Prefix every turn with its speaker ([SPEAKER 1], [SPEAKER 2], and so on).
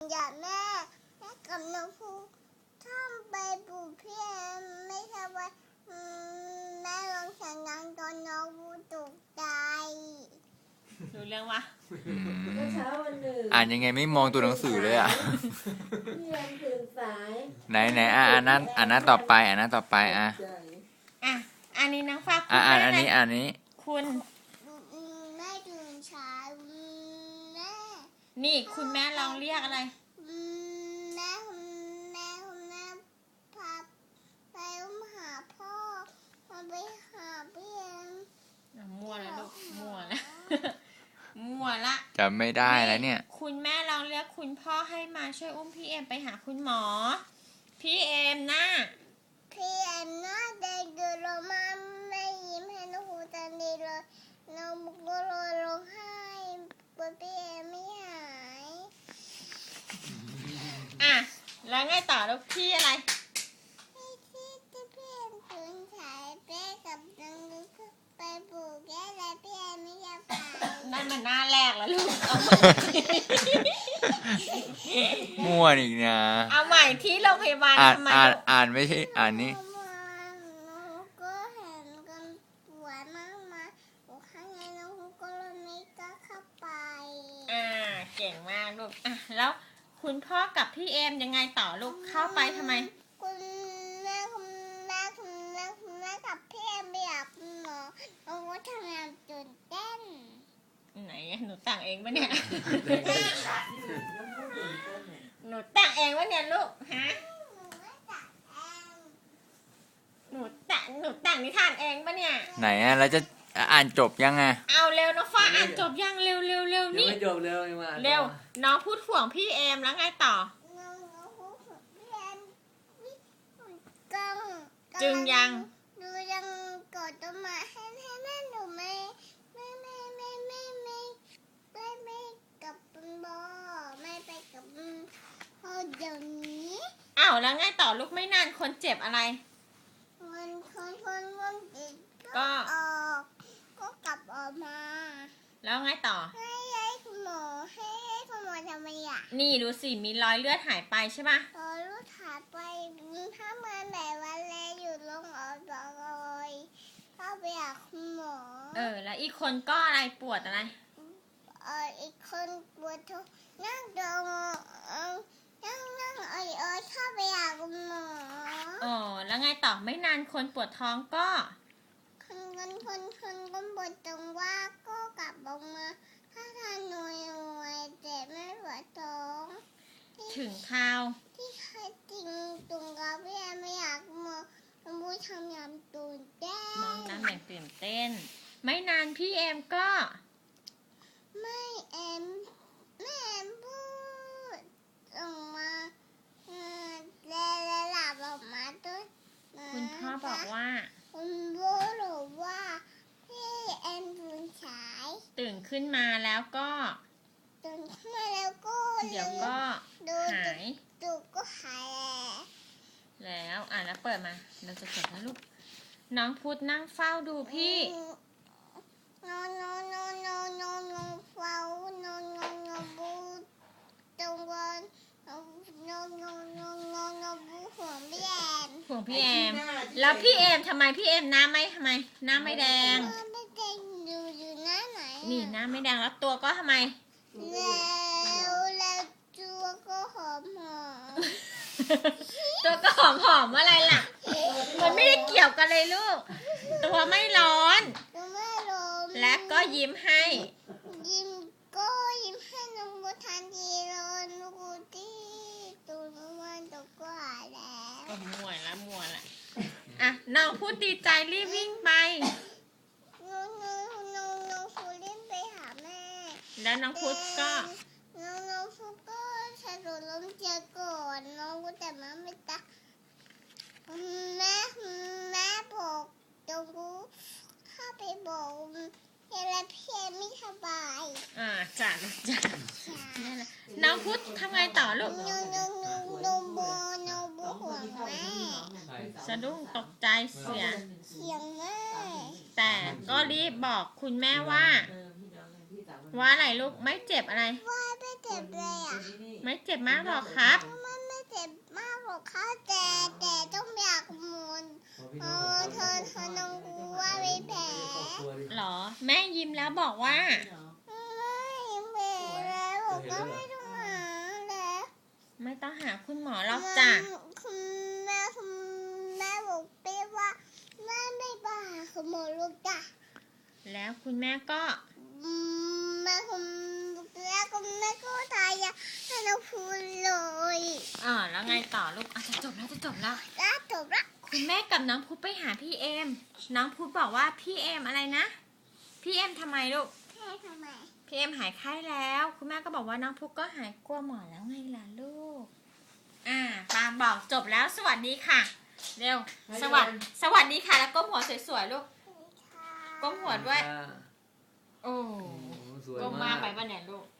[SPEAKER 1] อย่าแม่กับน้องภูท่องไปปลูกพี่แอมไม่ใช่ว่าแม่ลองเสียงดังตอนน้องภูตกใจ
[SPEAKER 2] รู้เรื่องวะ
[SPEAKER 3] เมื่อเช้าวันหนึ่ง
[SPEAKER 4] อ่านยังไงไม่มองตัวหนังสือเลยอ่ะ
[SPEAKER 3] พี่แอมตื่นสาย
[SPEAKER 4] ไหนอ่านหน้าต่อไปอ่ะ
[SPEAKER 2] อันนี้น้องฟ้า
[SPEAKER 4] อ่านอันนี้
[SPEAKER 2] คุณ
[SPEAKER 1] แม่ตื่นช้าแม่
[SPEAKER 2] นี่คุณแม่ลองเรียกอะไร
[SPEAKER 1] แม่พาไปหาพ่อมาไปหาพี่แอม
[SPEAKER 2] มั่วแล้วลูกมั่วแล้วมั่วละ
[SPEAKER 4] จำไม่ได้แล้วเนี่ย
[SPEAKER 2] คุณแม่ลองเรียกคุณพ่อให้มาช่วยอุ้มพี่เอมไปหาคุณหมอพี่เอมนะ
[SPEAKER 1] พี่แอมน่าเด็กดูโรมาไม่ยิ้มให้น้องหูตันดีเลยน้องบุกก็ร้องไห้ปวดพี่แอมไม่หาย
[SPEAKER 2] แล้วไงต่อลูกพี่อะไร
[SPEAKER 1] ที่พี่แอมตื่นสายแม่กับน้องลูกไปปลูกแก้และพี่แอมไม่อยากไป
[SPEAKER 2] นั่นมันหน้าแรกแล้วลูกเอาใหม่
[SPEAKER 4] มั่วอีกนะ
[SPEAKER 2] เอาใหม่ที่โรงพยาบาลทำไม
[SPEAKER 4] อ่านไม่ใช่อ่านนี้
[SPEAKER 1] ก็เห็นกันปวดมากมาข้างในน้องก็เลยไม่กล้าเข้าไป
[SPEAKER 2] เก่งมากลูกแล้วคุณพ่อกับพี่เอมยังไงต่อลูกเข้าไปทำไม
[SPEAKER 1] คุณแม่กับพี่เอมไม่อยากหมอน้องก็ทำงานตื่นเต้น
[SPEAKER 2] ไหนหนูแต่งเองปะเนี่ยหนูแต่งเองปะเนี่ยลูกฮะหนูแต่งนิทานเองปะเนี่ย
[SPEAKER 4] ไหนแล้วจะอ่านจบยังไง
[SPEAKER 2] เอาเร็วน้องฟ้าอ่านจบยังเร็วนี่
[SPEAKER 3] ไม่จบเร็วมา
[SPEAKER 2] เร็วน้องพูดห่วงพี่เอมแล้วไงต่อจึงยัง
[SPEAKER 1] ดูยังกดต้นไม้ให้แม่หนูไม่กับพ่อไม่ไปกับพ่อเดี๋ยวนี้
[SPEAKER 2] แล้วไงต่อลูกไม่นานคนเจ็บอะไร
[SPEAKER 1] คนเจ็บก็ออกก็กลับออกมา
[SPEAKER 2] แล้วไงต่อ
[SPEAKER 1] ให้คุณหมอทำไม
[SPEAKER 2] นี่ดูสิมีรอยเลือดหายไปใช่ปะ
[SPEAKER 1] รอยเลือดหายไปถ้ามันไหนวันแรกอยู่โรงพยาบาลเลยเข้าไปหาคุณหมอ
[SPEAKER 2] แล้วอีกคนก็อะไรปวดอะไร
[SPEAKER 1] อีกคนปวดท้องนั่งเข้าไปหาคุณหมอ
[SPEAKER 2] แล้วไงต่อไม่นานคนปวดท้องก็
[SPEAKER 1] คนก็ปวดตรงว่าก็กลับออกมาถ้าทานหน่วยแต่ไม่ปวดท้อง
[SPEAKER 2] ถึงข่าว
[SPEAKER 1] ที่ใครจริงตรงกับพี่แอมไม่อยากมาบูทำยำตื่นเต้น
[SPEAKER 2] มองน้ำอย่างตื่นเต้นไม่นานพี่เอมก็
[SPEAKER 1] แม่แอมพูดออกมาแล้วหลับออกมาด้วย
[SPEAKER 2] คุณพ่อบอกว่า
[SPEAKER 1] คุณพ่อบอกว่าพี่แอม
[SPEAKER 2] ตื่นขึ้นมาแล้วก็
[SPEAKER 1] เดี๋
[SPEAKER 2] ยวก็หาย
[SPEAKER 1] ก็หาย
[SPEAKER 2] แล้วแล้วเปิดมาเราจะจบแล้วลูกน้องพุธนั่งเฝ้าดูพี่
[SPEAKER 1] นอนเฝ้านอนบูตรงวันนอนบูห่วงพี่แอม
[SPEAKER 2] แล้วพี่เอมทำไมพี่เอมหน้าไม่แดง
[SPEAKER 1] ไม่แดงอยู่หน้าไหน
[SPEAKER 2] นี่หน้าไม่แดงแล้วตัวก็ทำไม
[SPEAKER 1] แล้วตัวก็หอม
[SPEAKER 2] ตัวก็หอมอะไรล่ะมันไม่ได้เกี่ยวกันเลยลูกตัวไม่ร้อนและก็ยิ้มให้
[SPEAKER 1] น้องบูทันทีร้อนบูที่ตัวมันตกก็หายแล้ว
[SPEAKER 2] มั่วละน้องพูดดีใจรีบวิ่งไป
[SPEAKER 1] น้องพูดเล่นไปหาแม่
[SPEAKER 2] แล้วน้องพุธก็
[SPEAKER 1] น้องพุธก็สะดุดล้มเจ็บก่อนน้องก็แต่มาไม่ตาแม่บอกตรงกูเข้าไปบอกแล้วพี่ไม่สบาย
[SPEAKER 2] จ้ะน้องพุธทำไงต่อลูก
[SPEAKER 1] น้องบูห่วงแม่
[SPEAKER 2] สะดุ้งตกใจเสียง
[SPEAKER 1] แม่
[SPEAKER 2] แต่ก็รีบบอกคุณแม่ว่าว่าอะไรลูกไม่เจ็บอะไร
[SPEAKER 1] ว่าไม่เจ็บเลยอ่ะ
[SPEAKER 2] ไม่เจ็บมากหรอกครับ
[SPEAKER 1] มันไม่เจ็บมากหรอกค่ะแต่ต้องอยากหมุนเธอน้องกูว่าไม่แผล
[SPEAKER 2] หรอ แม่ยิ้มแล้วบอกว่า
[SPEAKER 1] ไม่แผลแล้วผมก็ไม่ต้องหาแล้ว
[SPEAKER 2] ไม่ต้องหาคุณหมอหรอกจ้ะ
[SPEAKER 1] คุณแม่บอกไปว่าแม่ไม่บ้าคุณหมอลูกจ้ะ
[SPEAKER 2] แล้วคุณแม่ก็
[SPEAKER 1] แม่ก็ทายาให้น้องพูดเลย
[SPEAKER 2] แล้วไงต่อลูกจะจบแล้ว
[SPEAKER 1] แล้วจบละ
[SPEAKER 2] คุณแม่กับน้องพุธไปหาพี่เอม น้องพุธบอกว่าพี่เอมอะไรนะ พี่เอมทำไมลูก
[SPEAKER 1] แค่ทำไม
[SPEAKER 2] พี่เอมหายไข้แล้ว คุณแม่ก็บอกว่าน้องพุธก็หายกลัวหมอแล้วไงล่ะลูก ปาบอกจบแล้วสวัสดีค่ะ เร็ว สวัสดีค่ะ แล้วก้มหัวสวยๆลูก ก้มหัวด้วย โอ้
[SPEAKER 3] สวย
[SPEAKER 2] ก้มมากไปป่ะเนี่ยลูก